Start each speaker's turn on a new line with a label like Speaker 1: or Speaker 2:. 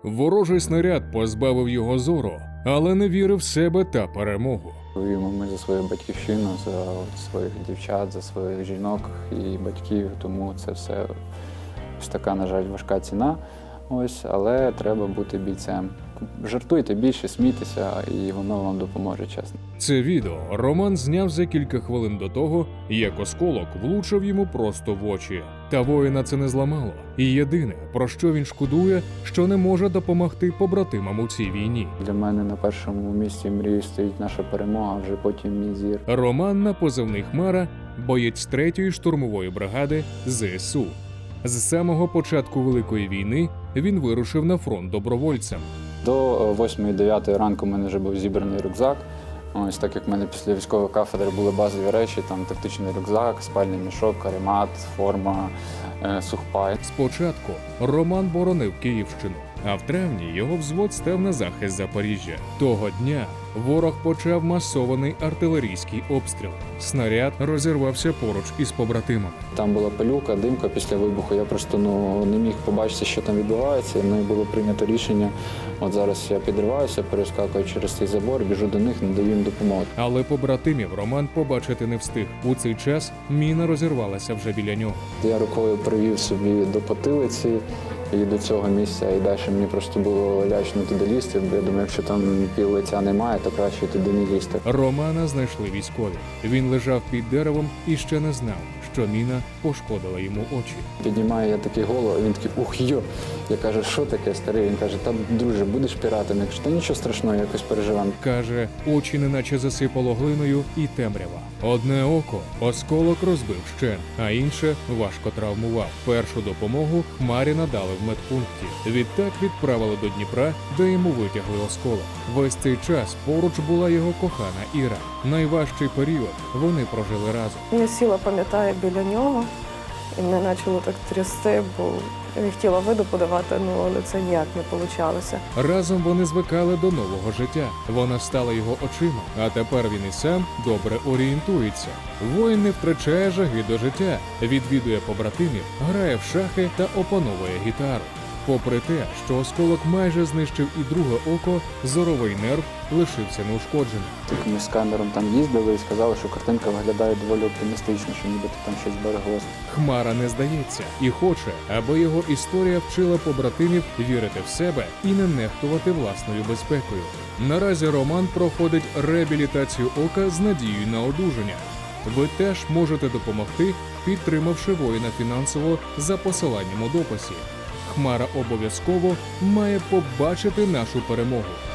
Speaker 1: Ворожий снаряд позбавив його зору, але не вірив в себе та перемогу.
Speaker 2: Воюємо ми за свою батьківщину, за своїх дівчат, за своїх жінок і батьків, тому це все ось така, на жаль, важка ціна. Ось, але треба бути бійцем. Жартуйте більше, смійтеся, і воно вам допоможе, чесно.
Speaker 1: Це відео Роман зняв за кілька хвилин до того, як осколок влучив йому просто в очі. Та воїна це не зламало. І єдине, про що він шкодує, що не може допомогти побратимам у цій війні.
Speaker 2: Для мене на першому місці мрії стоїть наша перемога, вже потім мій зір.
Speaker 1: Роман на позивний «Хмара» – боєць 3-ї штурмової бригади ЗСУ. З самого початку Великої війни він вирушив на фронт добровольцем.
Speaker 2: До 8-9 ранку в мене вже був зібраний рюкзак. Ось так як в мене після військової кафедри були базові речі, там тактичний рюкзак, спальний мішок, каремат, форма, сухпай.
Speaker 1: Спочатку Роман боронив Київщину, а в травні його взвод став на захист Запоріжжя. Того дня ворог почав масований артилерійський обстріл. Снаряд розірвався поруч із побратимами.
Speaker 2: Там була пилюка, димка після вибуху. Я просто не міг побачити, що там відбувається. І було прийнято рішення. От зараз я підриваюся, перескакую через цей забор, біжу до них, надаю їм допомогу.
Speaker 1: Але побратимів Роман побачити не встиг. У цей час міна розірвалася вже біля нього.
Speaker 2: Я рукою привів собі до потилиці і до цього місця, і далі мені просто було лячно туди лізти, бо я думаю, якщо там пів лиця немає, то краще туди не лізти.
Speaker 1: Романа знайшли військові. Він лежав під деревом і ще не знав, що міна пошкодила йому очі.
Speaker 2: Піднімаю я такий голову, а він такий ух йо. Я кажу, що таке, старий? Він каже, та друже, будеш піратом. Я кажу, та нічого страшного, якось переживемо.
Speaker 1: Каже, очі неначе засипало глиною і темрява. Одне око осколок розбив вщент, а інше важко травмував. Першу допомогу Хмарі надали в медпункті. Відтак відправили до Дніпра, де йому витягли осколок. Весь цей час поруч була його кохана Іра. Найважчий період вони прожили разом.
Speaker 3: Я сіла, пам'ятаю, біля нього, і мене почало так трясти, бо я хотіла виду подавати, але це ніяк не вийшло.
Speaker 1: Разом вони звикали до нового життя. Вона стала його очима, а тепер він і сам добре орієнтується. Воїн не втрачає жаги до життя, відвідує побратимів, грає в шахи та опановує гітару. Попри те, що осколок майже знищив і друге око, зоровий нерв лишився неушкодженим.
Speaker 2: Ми з камером там їздили і сказали, що картинка виглядає доволі оптимістично, що нібито там щось збереглося.
Speaker 1: Хмара не здається і хоче, аби його історія вчила побратимів вірити в себе і не нехтувати власною безпекою. Наразі Роман проходить реабілітацію ока з надією на одужання. Ви теж можете допомогти, підтримавши воїна фінансово за посиланням у дописі. Хмара обов'язково має побачити нашу перемогу.